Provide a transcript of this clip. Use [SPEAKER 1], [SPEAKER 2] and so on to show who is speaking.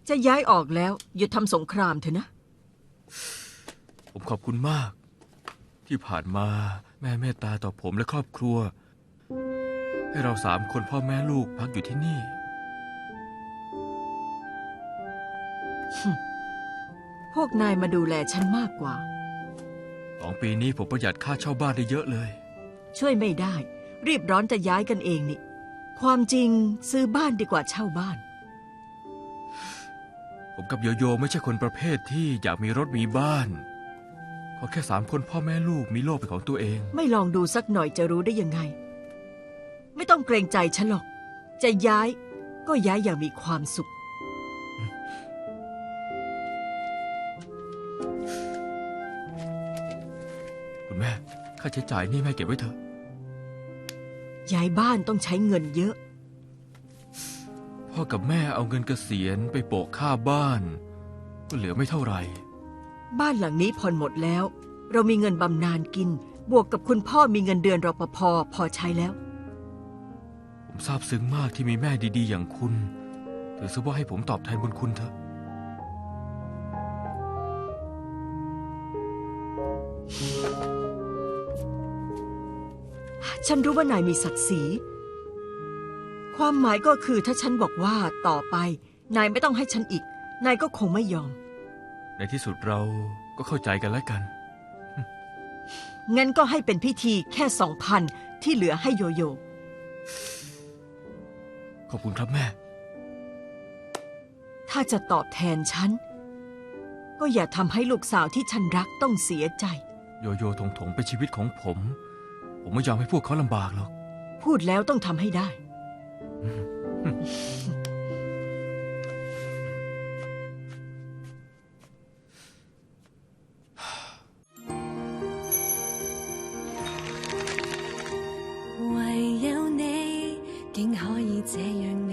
[SPEAKER 1] จะย้ายออกแล้วหยุดทำสงครามเถอะนะ
[SPEAKER 2] ผมขอบคุณมาก ที่ผ่านมาแม่เมตตาต่อผมและครอบครัว ให้เรา3 คนพ่อแม่ลูกพักอยู่ที่นี่
[SPEAKER 1] พวกนายมาดูแลฉันมากกว่า
[SPEAKER 2] 2 ปีนี้ผมประหยัดค่าเช่าบ้านได้เยอะเลย
[SPEAKER 1] ช่วยไม่ได้รีบร้อนจะย้ายกันเองนี่ความจริงซื้อบ้านดีกว่าเช่าบ้าน
[SPEAKER 2] ผมกับโยโย่ไม่ใช่คนประเภทที่อยากมีรถมีบ้านขอแค่3 คนพ่อแม่ลูกมีโลกเป็นของตัวเอง
[SPEAKER 1] ไม่ลองดูสักหน่อยจะรู้ได้ยังไงไม่ต้องเกรงใจฉันหรอกจะย้ายก็ย้ายอย่างมีความสุข
[SPEAKER 2] คุณแม่ค่าใช้จ่ายนี่แม่เก็บไว้เถอะ
[SPEAKER 1] ย้ายบ้านต้องใช้เงินเยอะ
[SPEAKER 2] พ่อกับแม่เอาเงินเกษียณไปโปะค่าบ้านก็เหลือไม่เท่าไหร่
[SPEAKER 1] บ้านหลังนี้ผ่อนหมดแล้วเรามีเงินบำนาญกินบวกกับคุณพ่อมีเงินเดือนรปภ.พอใช้แล้ว
[SPEAKER 2] ผมซาบซึ้งมากที่มีแม่ดีๆอย่างคุณถือซะว่าให้ผมตอบแทนบุญคุณเถอะ
[SPEAKER 1] ฉันรู้ว่านายมีศักดิ์ศรีความหมายก็คือถ้าฉันบอกว่าต่อไปนายไม่ต้องให้ฉันอีกนายก็คงไม่ยอม
[SPEAKER 2] ในที่สุดเราก็เข้าใจกันแล้วกัน
[SPEAKER 1] งั้นก็ให้เป็นพิธีแค่2,000ที่เหลือให้โยโย่
[SPEAKER 2] ขอบคุณครับแม่
[SPEAKER 1] ถ้าจะตอบแทนฉันก็อย่าทำให้ลูกสาวที่ฉันรักต้องเสียใจ
[SPEAKER 2] โยโย่ถงเป็นชีวิตของผมไม่ยอมให้พวกเขาลำบากหรอก
[SPEAKER 1] พูดแล้วต้องทำให้ได้
[SPEAKER 3] 唯有你竟可以這樣